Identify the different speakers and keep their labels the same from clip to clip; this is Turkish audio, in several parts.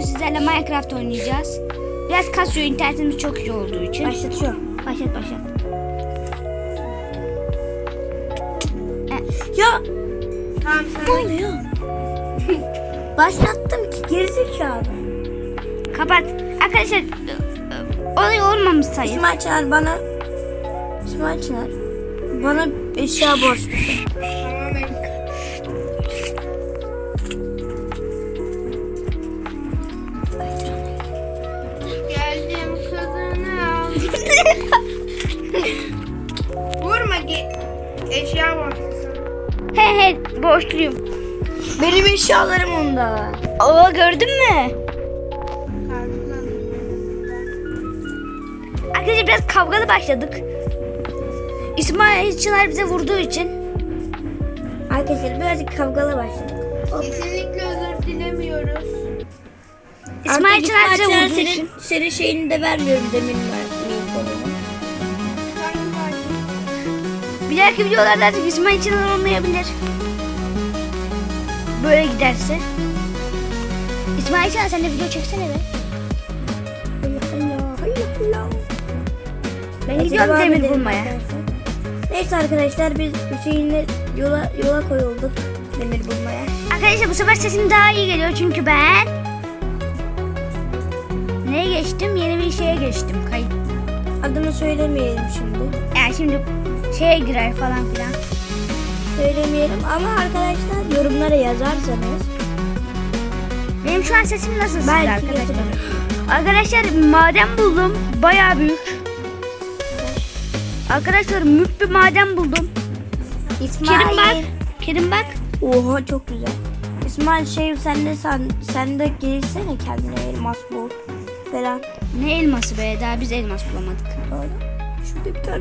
Speaker 1: sizlerle Minecraft oynayacağız. Biraz kasıyor, internetimiz çok iyi olduğu için.
Speaker 2: Başlatıyorum. Başlat. Ya.
Speaker 3: Tamam
Speaker 2: Ne oluyor? Başlattım ki gerizekalı.
Speaker 1: Kapat. Arkadaşlar olay olmamış sayın.
Speaker 2: İsmail Çınar bana eşya borçlusun.
Speaker 3: Tamam geldim kızını aldım. Vurma eşya borçlusun.
Speaker 1: He borçluyum.
Speaker 2: Benim eşyalarım onda.
Speaker 1: Oo, gördün mü? Arkadaşlar biraz kavgalı başladık. İsmail Çınar bize vurduğu için.
Speaker 2: Arkadaşlar birazcık kavgalı başladık.
Speaker 3: Kesinlikle özür dilemiyoruz.
Speaker 1: İsmail Çınar bize vurduğu
Speaker 2: senin,
Speaker 1: için.
Speaker 2: senin şeyini de vermiyorum demin konumu.
Speaker 1: Bir dahaki videolarda artık İsmail Çınar olmayabilir. Böyle giderse. İsmail Çınar sen de video çeksene be. Ben gidiyorum demir bulmaya.
Speaker 2: Neyse arkadaşlar biz Hüseyin'le yola koyulduk demir bulmaya.
Speaker 1: Arkadaşlar bu sefer sesim daha iyi geliyor çünkü ben neye geçtim? Yeni bir şeye geçtim. Kayıt.
Speaker 2: Adını söylemeyelim şimdi.
Speaker 1: Yani şimdi şeye girer falan filan.
Speaker 2: Söylemeyelim ama arkadaşlar yorumlara yazarsanız.
Speaker 1: Benim şu an sesim nasıl sizde
Speaker 2: Belki
Speaker 1: arkadaşlar? Arkadaşlar maden buldum. Bayağı büyük. Arkadaşlar mük bir maden buldum.
Speaker 2: İsmail.
Speaker 1: Kerim bak.
Speaker 2: Oha çok güzel. İsmail sen de gelsene kendine elmas bul falan.
Speaker 1: Ne elması be? Daha biz elmas bulamadık.
Speaker 2: Doğru. Şurada bir tane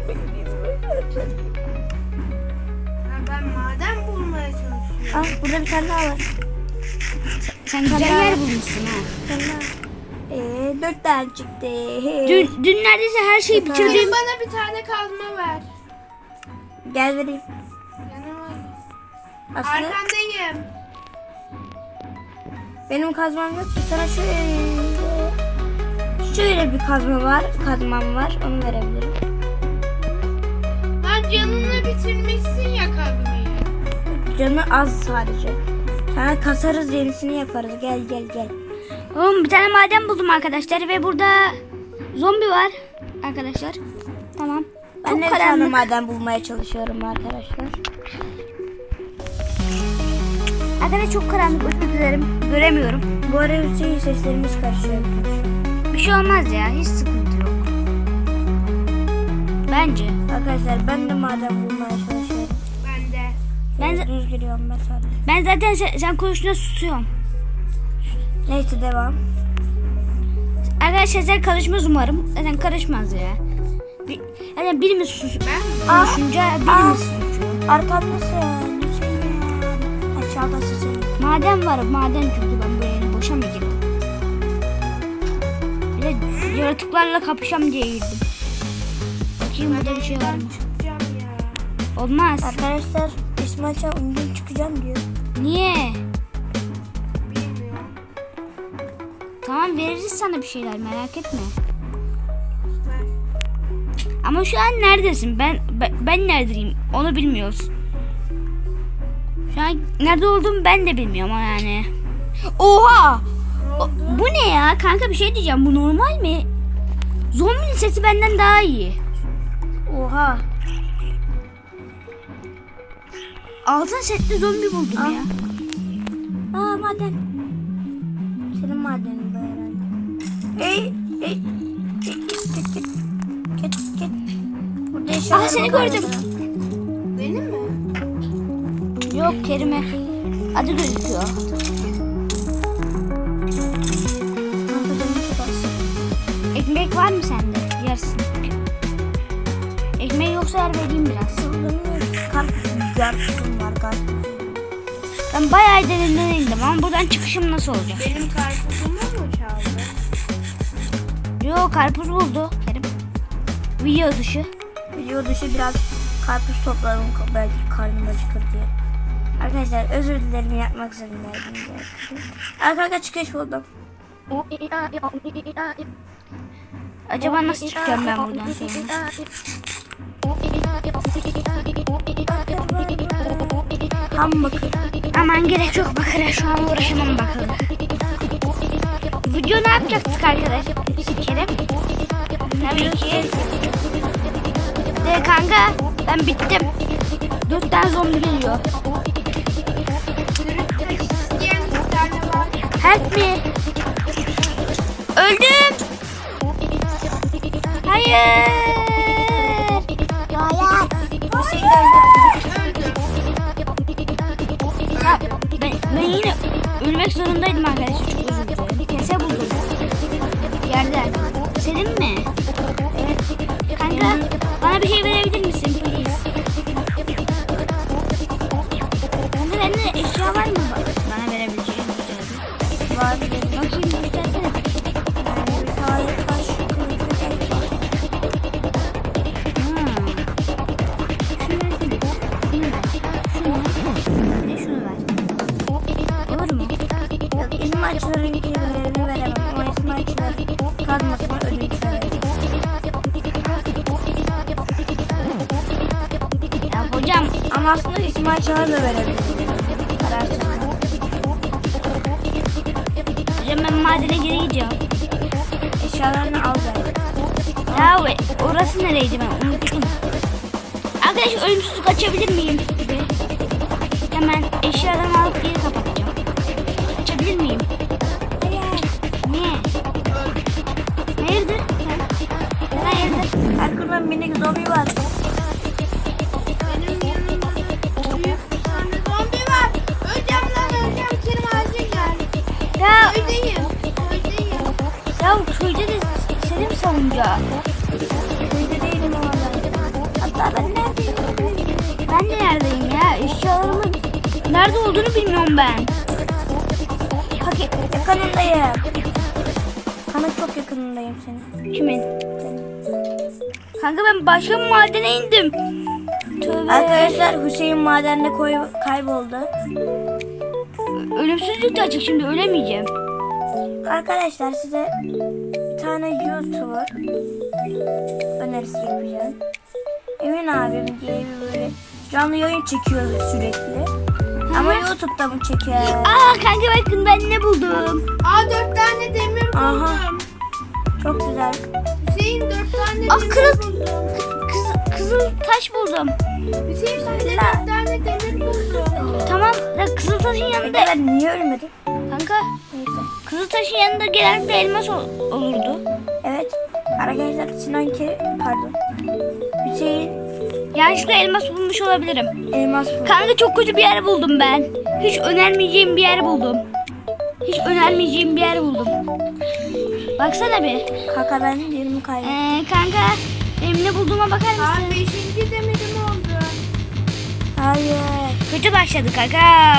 Speaker 3: Ben maden bulmaya çalışıyorum.
Speaker 2: Ah burada bir tane daha var.
Speaker 1: Sen güzel yer bulmuşsun ha.
Speaker 2: Bir tane daha. 4 tane çıktı.
Speaker 1: Dün neredeyse her şeyi bitirdim.
Speaker 3: Kerim bana bir tane kazma ver.
Speaker 2: Gel vereyim.
Speaker 3: Yanıma.
Speaker 2: Aslında
Speaker 3: Arkandayım.
Speaker 2: benim kazmam yok ki sana şöyle bir kazmam var onu verebilirim.
Speaker 3: Lan canını bitirmişsin ya kazmayı.
Speaker 2: Canı az sadece. Sana kasarız yenisini yaparız. Gel.
Speaker 1: Oğlum bir tane maden buldum arkadaşlar ve burada zombi var arkadaşlar. Tamam.
Speaker 2: Ben
Speaker 1: Çok
Speaker 2: de bir tane
Speaker 1: karanlık.
Speaker 2: maden bulmaya çalışıyorum arkadaşlar.
Speaker 1: Arkadaşlar çok karanlık, özür dilerim. Göremiyorum.
Speaker 2: Bu ara Hüseyin seslerimiz karışıyor.
Speaker 1: Bir şey olmaz ya, hiç sıkıntı yok. Bence.
Speaker 2: Arkadaşlar ben de maden bulmaya çalışıyorum.
Speaker 3: Ben de.
Speaker 1: Ben
Speaker 2: Düz giriyorum ben sadece.
Speaker 1: Ben zaten sen konuştuğunda susuyorum.
Speaker 2: Neyse devam.
Speaker 1: Arkadaşlar sen karışmaz umarım. Zaten karışmaz ya. Yani birimiz susuyor. Konuşunca birimiz susuyor.
Speaker 2: Arkamdasın. Hüseyin. Aşağıdasın sen.
Speaker 1: Maden var, maden çünkü ben böyle boşa mı girdim? Bir de yaratıklarla kapışam diye girdim. Bakayım burada bir şey var mı?
Speaker 3: Çıkacağım ya.
Speaker 1: Olmaz.
Speaker 2: Arkadaşlar İsmail Çağ bugün çıkacağım diyor.
Speaker 1: Niye?
Speaker 3: Bilmiyorum.
Speaker 1: Tamam veririz sana bir şeyler, merak etme.
Speaker 3: Ver.
Speaker 1: Ama şu an neredesin? Ben neredeyim? Onu bilmiyoruz. Şu an nerede olduğumu ben de bilmiyorum ama yani. Oha! Bu ne ya? Kanka bir şey diyeceğim. Bu normal mi? Zombinin sesi benden daha iyi. Oha. Altın setli zombi buldum ya.
Speaker 2: Aa maden. Senin madenin bu herhalde. Git. Burada eşyalarıma
Speaker 1: seni
Speaker 2: koydum.
Speaker 1: gördüm.
Speaker 3: Benim mi?
Speaker 1: Yok Kerime. Adı gözüküyor.
Speaker 2: Kanka canım çok az.
Speaker 1: Ekmek var mı sende? Yersin. Ekmeği yoksa yer vereyim biraz.
Speaker 2: Karpuzum var karpuzum.
Speaker 1: Ben bayağı derinden indim ama buradan çıkışım nasıl olacak?
Speaker 3: Benim karpuzumu mu çaldı?
Speaker 1: Yok, karpuz buldu Kerim. Video dışı.
Speaker 2: Video dışı biraz karpuz topladım belki karnım acıkır diye. Arkadaşlar özür dilerim yapmak zorundaydım. Arka çıkış buldum.
Speaker 1: Acaba nasıl çıkacağım ben buradan sonra?
Speaker 2: Ham bakır.
Speaker 1: Aman gerek yok bakıra, şu an uğraşamam bakıra. Video ne yapacaktık arkadaşlar? Kerem? Tabii ki. De kanka ben bittim. 4 tane zombi geliyor.
Speaker 3: İsteyen bir tane var.
Speaker 1: Help me. Öldüm. Hayır. Ya, ben yine ölmek zorundaydım arkadaşlar. Çok özür dilerim. Kese buldum. Yerden. Senin mi? Evet. Kanka bana bir şey verebilir misin please? Kanka sende eşya var mı bana verebileceğin?
Speaker 2: Var.
Speaker 1: Bakayım göstersene.
Speaker 2: Yani bir tane taş kılıç ve taş var.
Speaker 1: Olur mu?
Speaker 2: Yok, İsmailçilerin kelimeleri veremem. Ama İsmailçiler kazmasına ödünç veremem.
Speaker 1: Ya hocam
Speaker 2: Ama aslında İsmailçiler de verebilirim. Kararsız.
Speaker 1: hocam ben madene geri gideceğim.
Speaker 2: Eşyalarını al ver.
Speaker 1: Ya orası nereydi ben unuttum. Arkadaş ölümsüzlük açabilir miyim? Hemen eşyalarımı alıp geri kapatacağım. Açabilir miyim? Niye? Hayırdır?
Speaker 2: Hayırdır? Erkun'da minik zombi var.
Speaker 3: Benim yanımda büyük bir tane zombi var. Öleceğim lan öleceğim. Kerim acil gel.
Speaker 1: Ya,
Speaker 3: Köydeyim. Köydeyim.
Speaker 1: ya köyde de seni mi savunacağım?
Speaker 2: Köyde değilim ama ben. Hatta ben neredeyim?
Speaker 1: Ben de neredeyim ya? Eşyalarımın nerede olduğunu bilmiyorum ben.
Speaker 2: Yakınındayım. Kanın çok yakınındayım senin.
Speaker 1: Kimin?
Speaker 2: Senin.
Speaker 1: Kanka ben başka bir madene indim. Tövbe.
Speaker 2: Arkadaşlar Hüseyin madende kayboldu.
Speaker 1: Ölümsüzlük de açık, şimdi ölemeyeceğim.
Speaker 2: Arkadaşlar size bir tane YouTuber önerisi yapacağım. Emin abim diye bir böyle canlı yayın çekiyor sürekli. Ama YouTube'da mı çekiyor?
Speaker 1: Aa kanka bakın ben ne buldum.
Speaker 3: Aa 4 tane demir buldum.
Speaker 2: Aha. Çok güzel.
Speaker 3: Hüseyin 4 tane
Speaker 1: Aa,
Speaker 3: demir
Speaker 1: kırık.
Speaker 3: buldum.
Speaker 1: Kızıl taş buldum.
Speaker 3: Hüseyin ben de 4 tane demir buldum.
Speaker 1: Tamam da kızıl taşın yanında
Speaker 2: Ben niye ölmedim?
Speaker 1: kanka
Speaker 2: Neyse.
Speaker 1: kızıl taşın yanında genellikle elmas olurdu.
Speaker 2: Evet. Arkadaşlar pardon. Hüseyin
Speaker 1: Yanlışlıkla elmas bulmuş olabilirim.
Speaker 2: elmas buldu.
Speaker 1: Kanka çok kötü bir yer buldum ben. Hiç önermeyeceğim bir yer buldum. Hiç önermeyeceğim bir yer buldum. Baksana bir.
Speaker 2: Kaka ben yerimi kaybettim.
Speaker 1: Kanka benim ne bulduğuma bakar mısın?
Speaker 3: Aa 5. demirim oldu.
Speaker 2: Hayır.
Speaker 1: Kötü başladı kanka.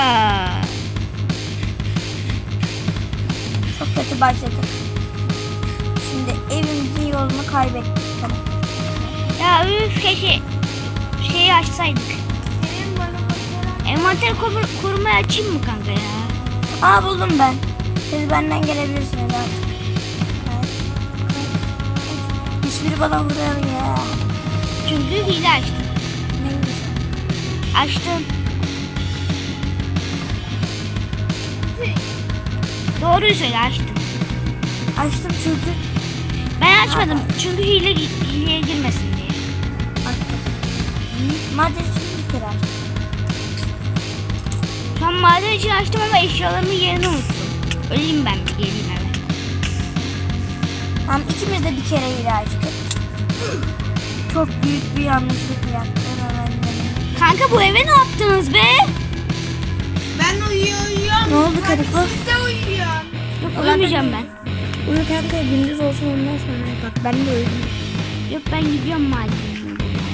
Speaker 2: Çok kötü başladı. Şimdi evimizin yolunu kaybettik. Tamam.
Speaker 1: Ya üf keşke şeyi açsaydık.
Speaker 3: Kerim bana bakarak.
Speaker 1: Envanter korumayı açayım mı kanka ya?
Speaker 2: Aa buldum ben. Siz benden gelebilirsiniz artık. Evet. Hiçbiri bana vuruyor ya.
Speaker 1: Çünkü hile açtım.
Speaker 2: Neymiş?
Speaker 1: Açtım. Doğruyu söyle açtım.
Speaker 2: Açtım çünkü.
Speaker 1: Ben açmadım çünkü hileye girmesin diye.
Speaker 2: Açtım. Madem şimdi bir kere açtım.
Speaker 1: Şu an maden için açtım ama eşyalarımın yerini unuttum. Öleyim ben bir geleyim eve.
Speaker 2: Tamam ikimiz de bir kere hile açtık. Çok büyük bir yanlışlık yaptım hemen benim.
Speaker 1: Kanka bu eve ne yaptınız be?
Speaker 3: Ben uyuyorum.
Speaker 2: Ne oldu Kadife?
Speaker 3: Siz de uyuyor.
Speaker 1: Yok uyumayacağım ben.
Speaker 2: Uyu kanka gündüz olsun ondan sonra. Bak ben de uyudum.
Speaker 1: Yok ben gidiyorum madene.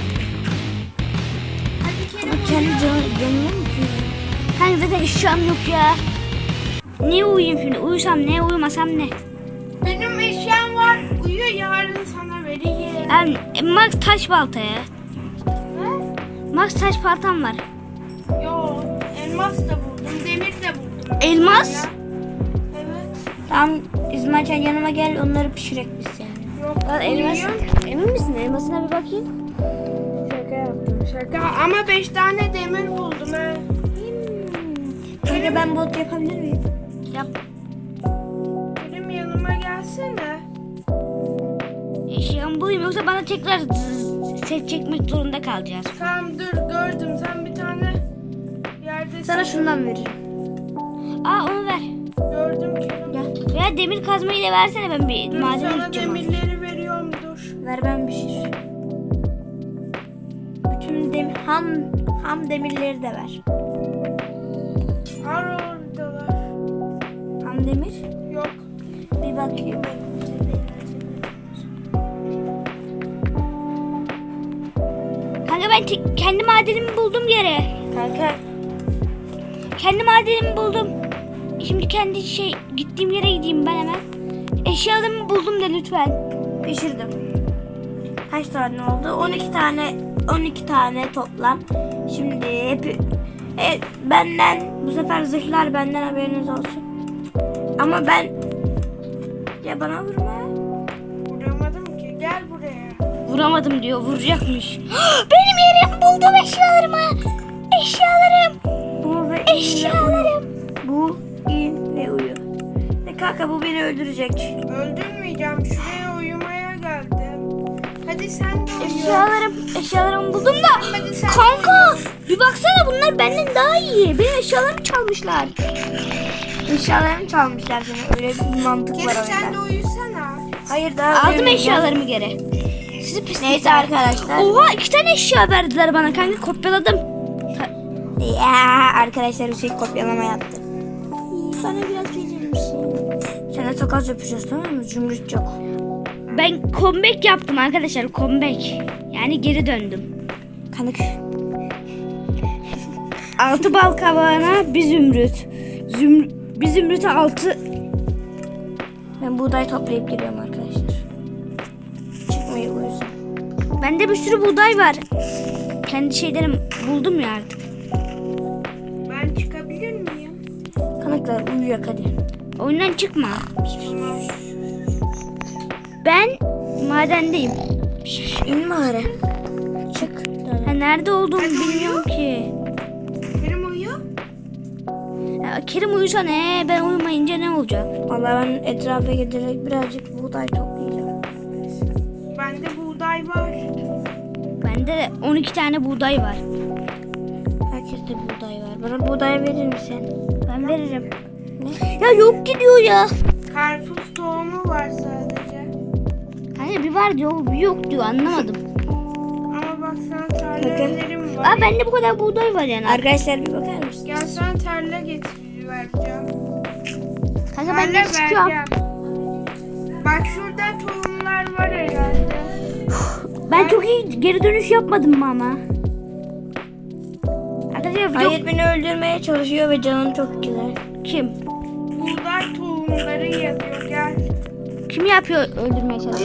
Speaker 3: Hadi Kerim
Speaker 2: Ama kendi canına mı kıyıyor?
Speaker 1: Kanka zaten eşyam yok ya. Niye uyuyayım şimdi? Uyusam ne, uyumasam ne?
Speaker 3: benim eşyam var. Uyuyor yarın sana vereyim.
Speaker 1: Ben Max taş baltaya.
Speaker 3: Ne?
Speaker 1: Max taş baltam var.
Speaker 3: Yo elmas da buldum. Demir de buldum.
Speaker 1: Elmas?
Speaker 3: Evet.
Speaker 2: İsmail yanıma gel, onları pişirek biz seninle.
Speaker 3: Yok.
Speaker 1: Lan elmas.
Speaker 3: uyuyorum.
Speaker 1: Emin misin? Elmasına bir bakayım.
Speaker 3: Şaka yaptım şaka. Ama 5 tane demir buldum he.
Speaker 2: Kanka ben bot yapabilir miyim?
Speaker 1: Yap.
Speaker 3: Kerim yanıma gelsene.
Speaker 1: Eşyamı bulayım yoksa bana tekrar set çekmek zorunda kalacağız.
Speaker 3: Tamam dur gördüm. Sen bir tane yerde
Speaker 2: Sana şundan veririm.
Speaker 1: Aa onu ver.
Speaker 3: gördüm Kerim.
Speaker 2: Gel.
Speaker 1: Veya demir kazmayı da versene, ben bir
Speaker 3: Dur
Speaker 1: maden
Speaker 3: sana
Speaker 1: gideceğim.
Speaker 3: demirleri veriyorum dur.
Speaker 2: Ver ben pişir. Bütün ham demirleri de ver.
Speaker 3: Ar oradalar.
Speaker 2: Ham demir.
Speaker 3: Yok.
Speaker 2: Bir bakayım.
Speaker 1: Kanka ben kendi madenimi buldum yere.
Speaker 2: Kanka
Speaker 1: Kendi madenimi buldum. Şimdi kendi gittiğim yere gideyim ben hemen. Eşyalarımı buldum da lütfen.
Speaker 2: pişirdim. Kaç tane oldu? 12 tane toplam. Şimdi benden bu sefer zırhlar benden, haberiniz olsun. Ama ben ya bana vurma.
Speaker 3: Vuramadım ki. Gel buraya.
Speaker 1: Vuramadım diyor, vuracakmış. Benim yerim, buldum eşyalarımı. Eşyalarım.
Speaker 2: Bu ve
Speaker 1: Eşyalarım.
Speaker 2: Bu in ve uyu. Kanka bu beni öldürecek.
Speaker 3: Öldürmeyeceğim. Şuraya uyumaya geldim. Hadi sen de uyu.
Speaker 1: Eşyalarımı buldum da.
Speaker 3: Hadi sen
Speaker 1: Kanka bir baksana, bunlar benden daha iyi. Benim eşyalarımı çalmışlar.
Speaker 2: Eşyalarını çalmışlar seni. Öyle bir mantık var
Speaker 3: Gel sen de
Speaker 2: oyunda.
Speaker 3: uyusana.
Speaker 2: Hayır daha
Speaker 1: Aldım
Speaker 2: uyumayacağım.
Speaker 1: eşyalarımı geri. Sizi pislikler.
Speaker 2: Neyse arkadaşlar.
Speaker 1: Oha 2 tane eşya verdiler bana kanka, kopyaladım.
Speaker 2: Ya arkadaşlar Hüseyin kopyalama yaptı. Bana biraz verir misin? Sana çok az yapacağız, tamam mı? Zümrüt yok.
Speaker 1: Ben comeback yaptım arkadaşlar, comeback. Yani geri döndüm.
Speaker 2: Kanık.
Speaker 1: 6 bal kabağına bir zümrüt. Bir zümrüte 6.
Speaker 2: Ben buğday toplayıp geliyorum arkadaşlar. Çıkmayı uyusun.
Speaker 1: Bende bir sürü buğday var. Kendi şeylerim buldum ya artık.
Speaker 3: Ben çıkabilir miyim?
Speaker 2: Kanıklar uyuyak hadi.
Speaker 1: Oyundan çıkma. Ben madendeyim.
Speaker 2: İn mağara. Çık.
Speaker 1: Ha, nerede olduğumu bilmiyorum ki.
Speaker 3: Kerim uyu.
Speaker 1: Ya, Kerim uyusa ne? Ben uyumayınca ne olacak?
Speaker 2: Vallahi ben etrafa giderek birazcık buğday toplayacağım.
Speaker 3: Bende buğday var.
Speaker 1: Bende de 12 tane buğday var.
Speaker 2: Herkeste buğday var. Bana buğday verir misin?
Speaker 1: Ben veririm. Ne? Ya yok gidiyor ya.
Speaker 3: Karpuz tohumu var sadece.
Speaker 1: Hani bir var diyor, bir yok diyor, anlamadım.
Speaker 3: Ama bak sana tarlelerim var.
Speaker 1: Aa bende bu kadar buğday var yani.
Speaker 2: Arkadaşlar bir bakar mısın?
Speaker 3: Gel sana tarla vereceğim.
Speaker 1: Kanka ben de
Speaker 3: Tarla
Speaker 1: çıkıyorum.
Speaker 3: vereceğim. Bak şurada tohumlar var herhalde.
Speaker 1: Ben çok iyi geri dönüş yapmadım mı ama? Arkadaşlar video
Speaker 2: Hayır, beni öldürmeye çalışıyor ve canım çok güzel.
Speaker 1: kim?
Speaker 3: Buğday tohumları yazıyor gel.
Speaker 1: Kim yapıyor öldürmeye çalışıyor?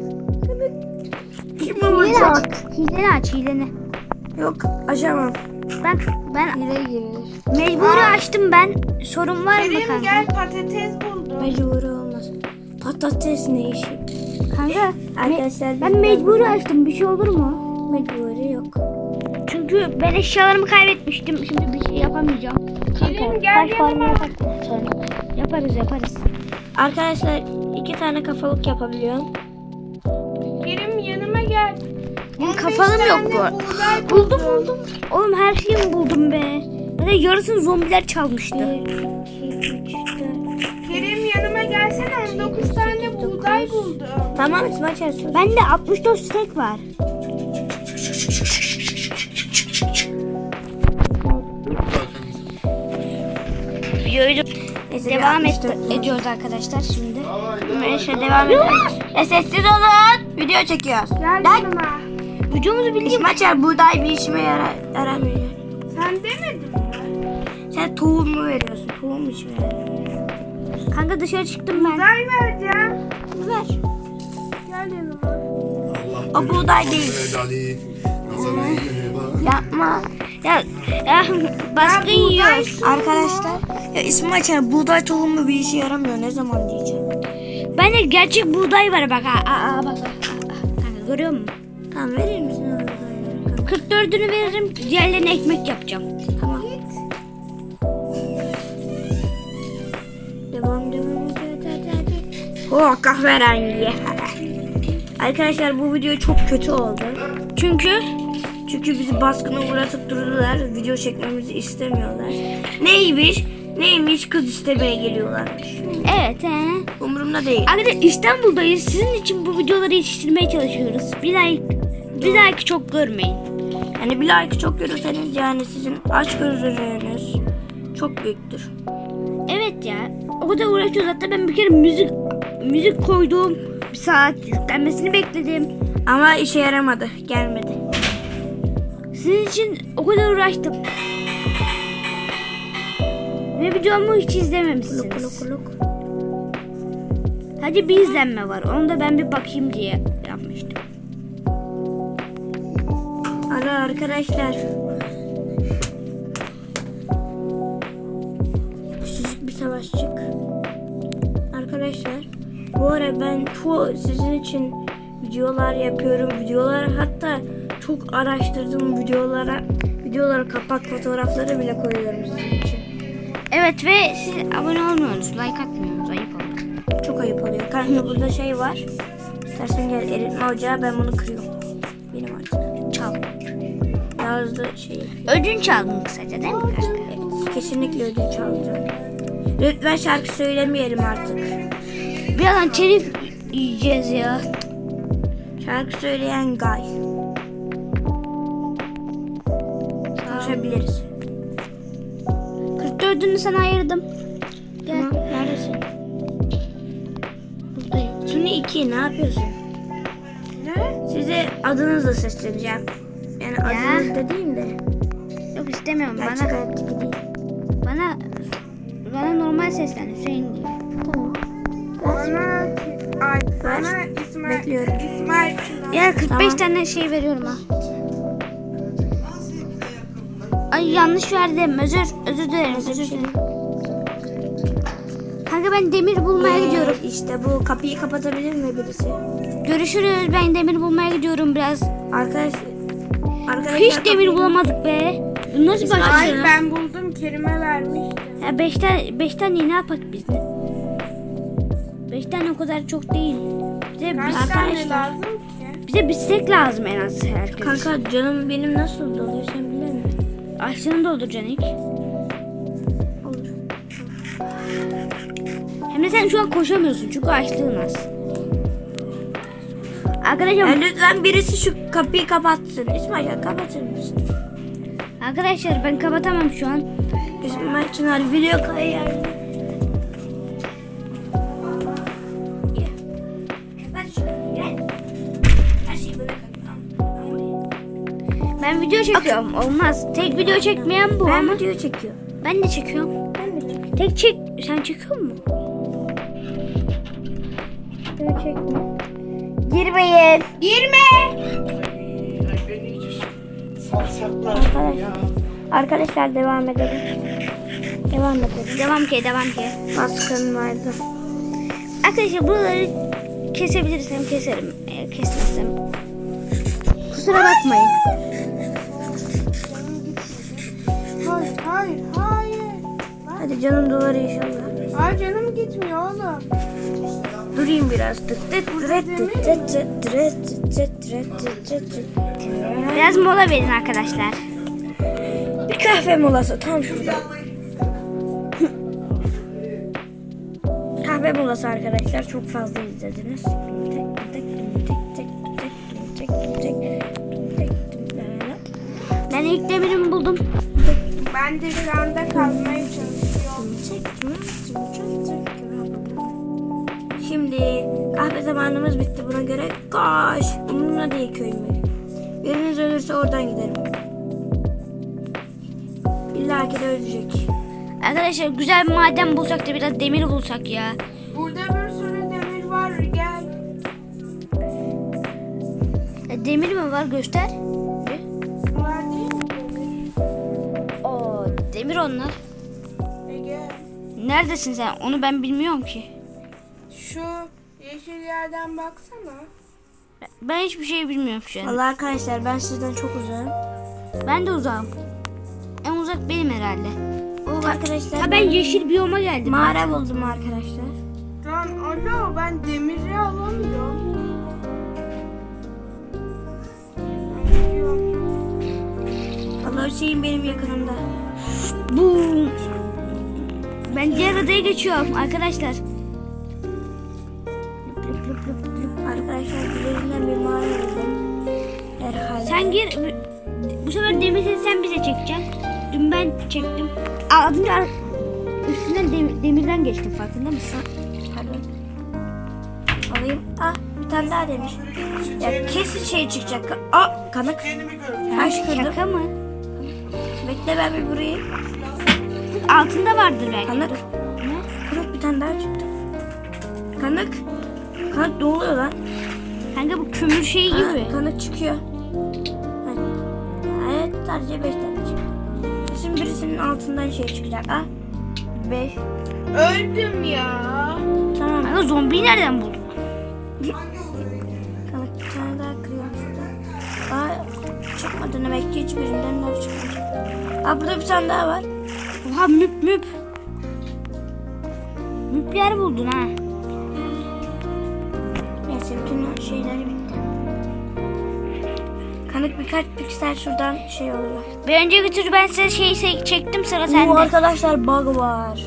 Speaker 2: Kim
Speaker 1: Hileni aç. Hileni aç, hileni.
Speaker 2: Yok, açamam.
Speaker 1: Ben
Speaker 2: Hile girir.
Speaker 1: mecburi açtım ben. Sorun var mı
Speaker 3: Kerim
Speaker 1: kanka?
Speaker 3: gel patates buldum.
Speaker 2: Mecburi olmaz. Patates ne işi?
Speaker 1: Kanka
Speaker 2: Arkadaşlar
Speaker 1: ben mecburi açtım. Bir şey olur mu?
Speaker 2: Mecburi yok.
Speaker 1: Çünkü ben eşyalarımı kaybetmiştim. Şimdi bir şey yapamayacağım.
Speaker 3: Kerim gel yanıma.
Speaker 1: Yaparız.
Speaker 2: Arkadaşlar 2 tane kafalık yapabiliyorum.
Speaker 3: Kerim yanıma gel.
Speaker 1: Benim
Speaker 3: 15
Speaker 1: kafalım yok
Speaker 3: tane
Speaker 1: bu.
Speaker 3: buğday
Speaker 1: Buldum. Oğlum her şeyi buldum be. Zaten yarısını zombiler çalmıştı.
Speaker 2: 1, 2, 3, 4.
Speaker 3: Kerim yanıma gelsene 19 tane buğday buldum.
Speaker 2: Tamam İsmail söz.
Speaker 1: Bende 64 steak var. Videoyu
Speaker 2: Neyse,
Speaker 1: devam
Speaker 2: bir 64
Speaker 1: ediyoruz arkadaşlar şimdi.
Speaker 2: Neyse devam edelim. Sessiz olun. Video çekiyoruz.
Speaker 3: Gel
Speaker 2: Lan
Speaker 3: yanıma.
Speaker 1: Videomuzu bildiğim.
Speaker 2: İsmail buğday bir işime yaramıyor.
Speaker 3: Sen demedin mi?
Speaker 2: Sen tohum mu veriyorsun? Tohum işime yaramıyor.
Speaker 1: Kanka dışarı çıktım ben.
Speaker 3: Buğday vereceğim.
Speaker 1: Ver.
Speaker 3: Gel yanıma.
Speaker 2: O buğday değil. Yapma.
Speaker 1: Ya baskın yiyoruz.
Speaker 2: Arkadaşlar ya İsmail Çağrı buğday tohumu bir işe yaramıyor. Ne zaman diyeceğim.
Speaker 1: Bende gerçek buğday var bak. Bak. Kanka görüyor musun?
Speaker 2: Tamam verir misin o buğdayları?
Speaker 1: 44'ünü veririm. Diğerlerini ekmek yapacağım.
Speaker 2: Tamam. Devam. Oh kahverengi. Arkadaşlar bu video çok kötü oldu.
Speaker 1: Çünkü
Speaker 2: Çünkü bizi baskına uğratıp durdular. Video çekmemizi istemiyorlar. Neymiş kız istemeye geliyorlarmış.
Speaker 1: evet
Speaker 2: Umurumda değil.
Speaker 1: Arkadaşlar İstanbul'dayız. Sizin için bu videoları yetiştirmeye çalışıyoruz. Bir like çok görmeyin.
Speaker 2: Yani bir like çok görürseniz yani sizin açgözlülüğünüz çok büyüktür.
Speaker 1: Evet ya. O kadar uğraşıyoruz. Hatta ben bir kere müzik koydum. Bir saat yüklenmesini bekledim.
Speaker 2: Ama işe yaramadı. Gelmedi.
Speaker 1: Sizin için o kadar uğraştım. Ve videomu hiç izlememişsiniz.
Speaker 2: Luk.
Speaker 1: Hadi bir izlenme var. Onu da ben bir bakayım diye yapmıştım.
Speaker 2: Ara arkadaşlar. Küçücük bir savaşçık. Arkadaşlar bu ara ben sizin için videolar yapıyorum. Hatta çok araştırdım videolara kapak fotoğrafları bile koyuyorum sizin için.
Speaker 1: Evet ve siz abone olmuyorsunuz. Like atmıyorsunuz. Ayıp oluyor.
Speaker 2: Çok ayıp oluyor. Kanka burada şey var. İstersen gel eritme ocağı, ben bunu kırıyorum. Benim artık.
Speaker 1: Çal.
Speaker 2: Yazdı şeyi.
Speaker 1: Ödünç aldın kısaca değil mi kanka?
Speaker 2: Evet, kesinlikle ödünç alacağım. Lütfen şarkı söylemeyelim artık.
Speaker 1: Birazdan telif yiyeceğiz ya.
Speaker 2: Şarkı söyleyen Gay. Konuşabiliriz.
Speaker 1: 44'ünü sana ayırdım. Gel.
Speaker 2: Tamam, neredesin?
Speaker 1: Buradayım.
Speaker 2: Suni 2 ne yapıyorsun?
Speaker 3: Ne?
Speaker 2: Size adınızla sesleneceğim. Yani adınız da değil de.
Speaker 1: Yok istemiyorum.
Speaker 2: Gerçek hayattaki değil.
Speaker 1: Bana normal seslen Hüseyin diye.
Speaker 2: Tamam.
Speaker 3: Bana
Speaker 2: Bekliyorum.
Speaker 3: İsmail Çınar.
Speaker 1: Ya 45
Speaker 2: Tamam.
Speaker 1: tane şey veriyorum ha. Ay yanlış verdim. Özür dilerim. Özür dilerim. Kanka ben demir bulmaya gidiyorum.
Speaker 2: İşte bu kapıyı kapatabilir mi birisi?
Speaker 1: Görüşürüz. Ben demir bulmaya gidiyorum biraz.
Speaker 2: Arkadaşlar
Speaker 1: Hiç demir bulamadık be. Bu nasıl
Speaker 2: İsmail,
Speaker 1: başlıyor?
Speaker 3: Ay ben buldum, Kerime vermişti.
Speaker 1: Ya 5 tane ne yapak biz de? 5 tane o kadar çok değil. Bize,
Speaker 3: Kaç
Speaker 1: biz,
Speaker 3: tane lazım ki?
Speaker 1: bize bisiklet lazım en az herkes.
Speaker 2: Kanka canım benim nasıl doluyor sen bilir misin?
Speaker 1: Açlığını dolduracaksın ilk.
Speaker 2: Olur.
Speaker 1: Hem de sen şu an koşamıyorsun çünkü açlığın az. Arkadaşlar,
Speaker 2: Lütfen birisi şu kapıyı kapatsın. İsmail kapatır mısın?
Speaker 1: arkadaşlar ben kapatamam şu an.
Speaker 2: İsmail Çınar video kayar.
Speaker 1: Ben video çekiyorum. Olmaz. Tek video çekmeyen bu
Speaker 2: Ben
Speaker 1: ama.
Speaker 2: video çekiyorum.
Speaker 1: Ben de çekiyorum.
Speaker 2: Ben de çekiyorum.
Speaker 1: Tek çek. Sen çekiyor musun?
Speaker 2: Video çekme.
Speaker 1: Girmeyin.
Speaker 3: Girme!
Speaker 2: Arkadaşlar devam edelim.
Speaker 1: Devam ki.
Speaker 2: Baskın vardı.
Speaker 1: Arkadaşlar buraları kesebilirsem keserim. Eğer kesmezsem. Kusura bakmayın.
Speaker 3: Hayır.
Speaker 2: Hadi canım dolar inşallah.
Speaker 3: Ay canım gitmiyor oğlum.
Speaker 2: Durayım biraz.
Speaker 1: Biraz mola verin arkadaşlar.
Speaker 2: Bir kahve molası tam şurada. Kahve molası arkadaşlar, çok fazla izlediniz.
Speaker 1: Ben ilk demirimi buldum.
Speaker 3: Ben de şu anda kazmaya çalışıyorum.
Speaker 2: Şimdi kahve zamanımız bitti, buna göre koş. Umurumda değil köy mü? Biriniz ölürse oradan giderim. İlla ki de ölecek.
Speaker 1: Arkadaşlar güzel bir maden bulsak da biraz demir bulsak ya.
Speaker 3: Burada bir sürü demir var, gel.
Speaker 1: Demir mi var göster. Demir onlar.
Speaker 3: Ege.
Speaker 1: Neredesin sen? Onu ben bilmiyorum ki.
Speaker 3: Şu yeşil yerden baksana.
Speaker 1: Ben hiçbir şey bilmiyorum şu an.
Speaker 2: Vallahi arkadaşlar ben sizden çok uzağım.
Speaker 1: Ben de uzağım. En uzak benim herhalde.
Speaker 2: Arkadaşlar
Speaker 1: Ha ben yeşil biyoma geldim.
Speaker 2: mağara buldum arkadaşlar.
Speaker 3: Lan alo ben demiri alamıyorum.
Speaker 2: Allah Hüseyin benim yakınımda.
Speaker 1: Bu. Ben diğer adaya geçiyorum arkadaşlar.
Speaker 2: Arkadaşlar üzerinden bir mağara buldum. Herhalde.
Speaker 1: Sen gir. Bu sefer demiri sen bize çekeceksin. Dün ben çektim. Az önce üstünden demirden geçtim, farkında mısın?
Speaker 2: Pardon. Alayım. Ah bir tane daha demiş. Ya kesin şey çıkacak. Aa kanık. Taş kırdım.
Speaker 1: Şaka mı?
Speaker 2: Bekle ben bir burayı.
Speaker 1: Altında vardır belki.
Speaker 2: Kanık.
Speaker 1: Ne?
Speaker 2: Kanık bir tane daha çıktı. Kanık. Kanık ne oluyor lan?
Speaker 1: Kanka bu kömür şeyi gibi.
Speaker 2: Kanık çıkıyor. Evet sadece 5 tane çıktı. Şimdi birisinin altından şey çıkacak. Ah. 5.
Speaker 3: Öldüm ya.
Speaker 2: Tamam.
Speaker 1: Kanka zombiyi nereden buldun?
Speaker 2: Kanık bir tane daha kırıyorum şuradan. Aa çıkmadı demek ki hiçbirinden daha çıkmadı. Aa burada bir tane daha var.
Speaker 1: Oha müp müp. Müp yer buldun ha.
Speaker 2: Neyse bütün şeyler bitti. Kanık birkaç piksel şuradan şey oluyor.
Speaker 1: Bir önceki tur ben size şeyi çektim, sıra
Speaker 2: Oo,
Speaker 1: sende.
Speaker 2: arkadaşlar bug var.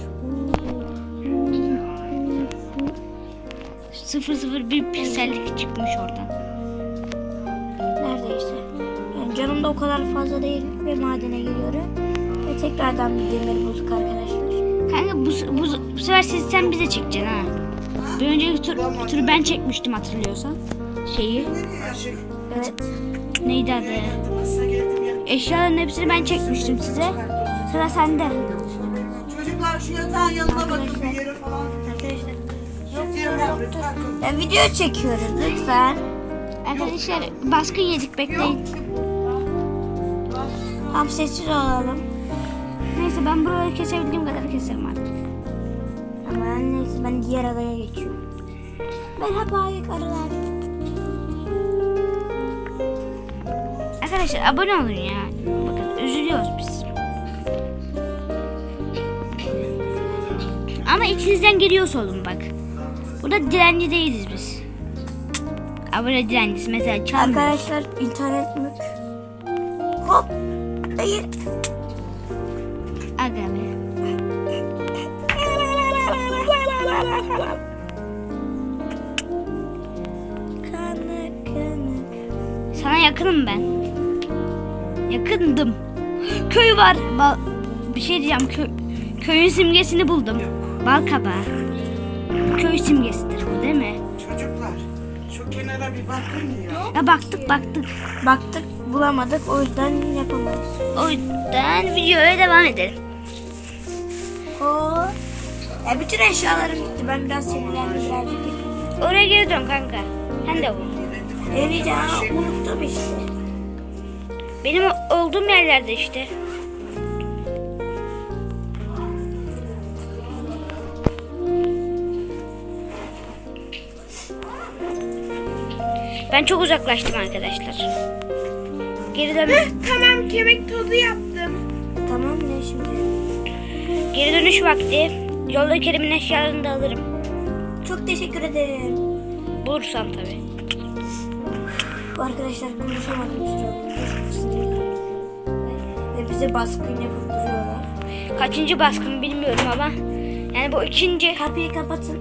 Speaker 1: 001 piksellik çıkmış oradan.
Speaker 2: Neredeyse. Yani canım da o kadar fazla değil ve madene giriyorum. Ve tekrardan bir demir bulduk arkadaşlar.
Speaker 1: Kanka bu sefer sen bize çekeceksin ha. Bir önceki turu ben çekmiştim hatırlıyorsan. Şeyi.
Speaker 2: Evet.
Speaker 1: Neydi adı? Eşyaların hepsini ben çekmiştim size. Sıra sende.
Speaker 4: Çocuklar şu yatağın yanına bakın bir yere falan.
Speaker 2: Arkadaşlar.
Speaker 4: Lütfen.
Speaker 2: Ya video çekiyoruz lütfen.
Speaker 1: Arkadaşlar baskın yedik, bekleyin.
Speaker 2: Tam sessiz olalım.
Speaker 1: Neyse ben buraları kesebildiğim kadar keserim artık.
Speaker 2: Ama neyse ben diğer adaya geçiyorum. Merhaba arılar.
Speaker 1: Arkadaşlar abone olun ya. Bakın üzülüyoruz biz. Ama içinizden geliyorsa olun bak. Burada direnci değiliz biz. Abone direncisi mesela çalmıyoruz.
Speaker 2: Arkadaşlar internet mük. Hop. Hayır.
Speaker 1: Aga be.
Speaker 2: Kanık kanık.
Speaker 1: Sana yakınım ben. Yakındım. Köy var. Bir şey diyeceğim. Köyün simgesini buldum. Bal kabağı. Köy simgesidir bu değil mi?
Speaker 4: Çocuklar şu kenara bir bakın ya.
Speaker 1: Ya baktık.
Speaker 2: Baktık bulamadık o yüzden yapamayız.
Speaker 1: O yüzden videoya devam edelim.
Speaker 2: O. Bütün eşyalarım gitti. Ben biraz sinirlendim birazcık.
Speaker 1: Oraya geri dön kanka. Sen de bul.
Speaker 2: Eriyeceğim. Unuttum işte.
Speaker 1: Benim olduğum yerlerde işte. Ben çok uzaklaştım arkadaşlar. Geri dön.
Speaker 3: Tamam kemik tozu yaptım.
Speaker 2: Tamam ne şimdi?
Speaker 1: Geri dönüş vakti. Yolda Kerim'in eşyalarını da alırım.
Speaker 2: Çok teşekkür ederim.
Speaker 1: Bulursam tabii.
Speaker 2: Arkadaşlar konuşamadım bir süre oldu. Çok sinirlendim. Ve bize baskın yapıp duruyorlar.
Speaker 1: Kaçıncı baskın bilmiyorum ama. Yani bu ikinci.
Speaker 2: Kapıyı kapatın.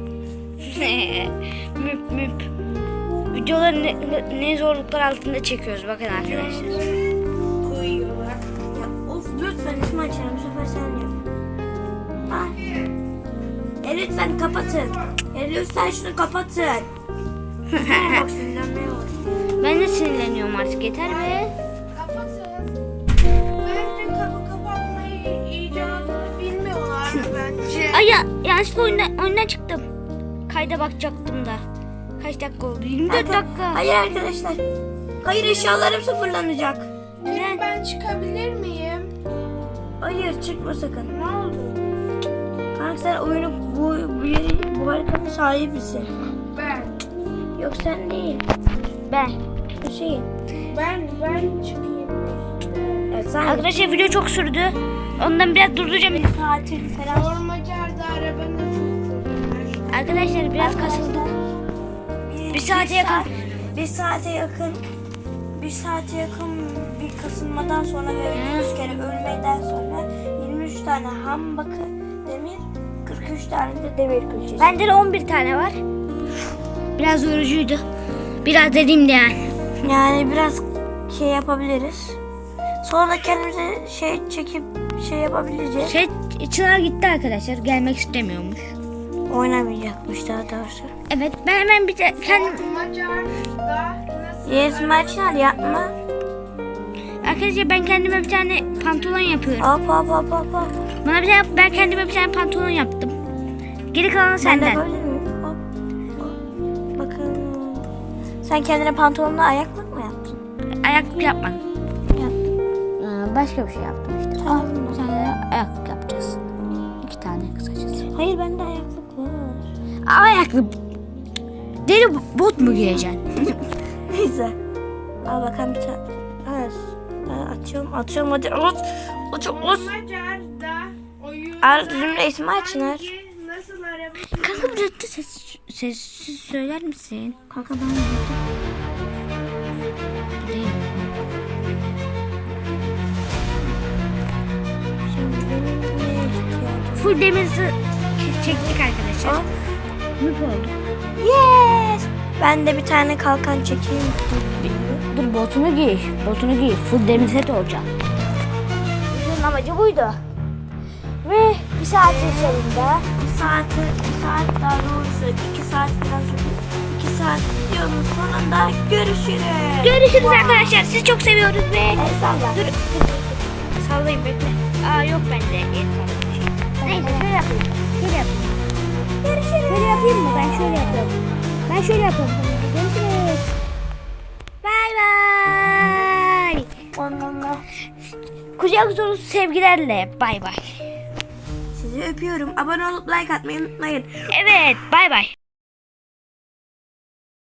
Speaker 1: müp. Videoları ne zorluklar altında çekiyoruz bakın arkadaşlar.
Speaker 3: Koyuyorlar.
Speaker 2: Ya of lütfen ismi açalım. Bu sefer sen yap. Ah. Lütfen kapatın. Lütfen şunu kapatın. Bak sinirlenmeye var.
Speaker 1: Ben de sinirleniyorum artık, yeter be.
Speaker 3: Kapatın. Bence kapı kapatmayı icadını bilmiyorlar bence.
Speaker 1: Ay ya, yanlışlıkla oyundan çıktım. Kayda bakacaktım da. Kaç dakika oldu? 24 dakika.
Speaker 2: Hayır arkadaşlar. Hayır eşyalarım sıfırlanacak.
Speaker 1: Neden?
Speaker 3: Ben çıkabilir miyim?
Speaker 2: Hayır çıkma sakın.
Speaker 3: Ne oldu?
Speaker 2: Kanka sen oyunu bu haritanın sahibisin.
Speaker 3: Ben.
Speaker 2: Yok sen değil.
Speaker 1: Ben.
Speaker 2: Hüseyin.
Speaker 3: Ben çıkayım.
Speaker 2: Evet sen
Speaker 1: Arkadaşlar video çok sürdü. Ondan biraz durduracağım.
Speaker 2: bir saatin falan.
Speaker 3: Ormacarda arabanı da çok seviyorum.
Speaker 1: Arkadaşlar biraz kasıldık. Bir saate yakın.
Speaker 2: Bir saate yakın. Bir saate yakın bir kasılmadan sonra ve 100 kere ölmeden sonra 23 tane ham bakı demir, 43 tane de demir külçesi.
Speaker 1: Bende de 11 tane var. Biraz yorucuydu. Biraz dediğim de yani.
Speaker 2: Yani biraz şey yapabiliriz. Sonra kendimize şey çekip şey yapabileceğiz.
Speaker 1: Çınar gitti arkadaşlar. Gelmek istemiyormuş.
Speaker 2: Oynamayacakmış daha doğrusu.
Speaker 1: Evet ben hemen bir de
Speaker 3: Ormacarda nasıl?
Speaker 2: Yes maçlar yapma.
Speaker 1: arkadaşlar ben kendime bir tane pantolon yapıyorum.
Speaker 2: Hop.
Speaker 1: Bana bir tane, ben kendime bir tane pantolon yaptım. Geri kalanı
Speaker 2: Ben de
Speaker 1: senden.
Speaker 2: böyle miyim? Hop. Bakın. Sen kendine pantolonla ayaklık mı yaptın?
Speaker 1: Ayaklık yapmadım.
Speaker 2: Yaptım.
Speaker 1: Başka bir şey yaptım işte.
Speaker 2: Tamam.
Speaker 1: Bir tane de ayaklık yapacağız. 2 tane kısacası.
Speaker 2: Hayır bende ayaklık var.
Speaker 1: Ayaklık. Deri bot mu giyeceksin?
Speaker 2: Neyse. Al bakalım bir tane. Evet. Atıyorum hadi. Aç.
Speaker 3: Ormacarda oyun.
Speaker 2: Arda'nın resmi açın.
Speaker 3: Nasıl araba?
Speaker 1: Kanka biraz da sessiz söyler misin?
Speaker 2: Kanka ben yaptım.
Speaker 1: Değil.
Speaker 2: Şimdi benim neye ihtiyacım?
Speaker 1: Full demirzi çektik arkadaşlar.
Speaker 2: Hop.
Speaker 1: Noob oldu.
Speaker 2: Yes. Ben de bir tane kalkan çekeyim.
Speaker 1: Dur botunu giy. Botunu giy. Full demir set olacak. Bizim amacı buydu. Ve bir saatin sonunda
Speaker 2: Bir saat daha doğrusu 2 saat falan sürdü. 2 saat videonun sonunda görüşürüz.
Speaker 1: görüşürüz arkadaşlar. Sizi çok seviyoruz ve
Speaker 2: El salla.
Speaker 1: dur. Sallayayım bekle. Aa yok bende. El sallayayım. Neyse şöyle yapayım. Şöyle yapayım.
Speaker 2: Görüşürüz.
Speaker 1: Şöyle yapayım mı? Ben şöyle yapıyorum. Ben şöyle yapıyorum. Görüşürüz. Bay bay.
Speaker 2: Onunla.
Speaker 1: Kucak dolusu sevgilerle. Bay bay.
Speaker 2: Sizi öpüyorum. Abone olup like atmayı unutmayın.
Speaker 1: Evet. Bay bay.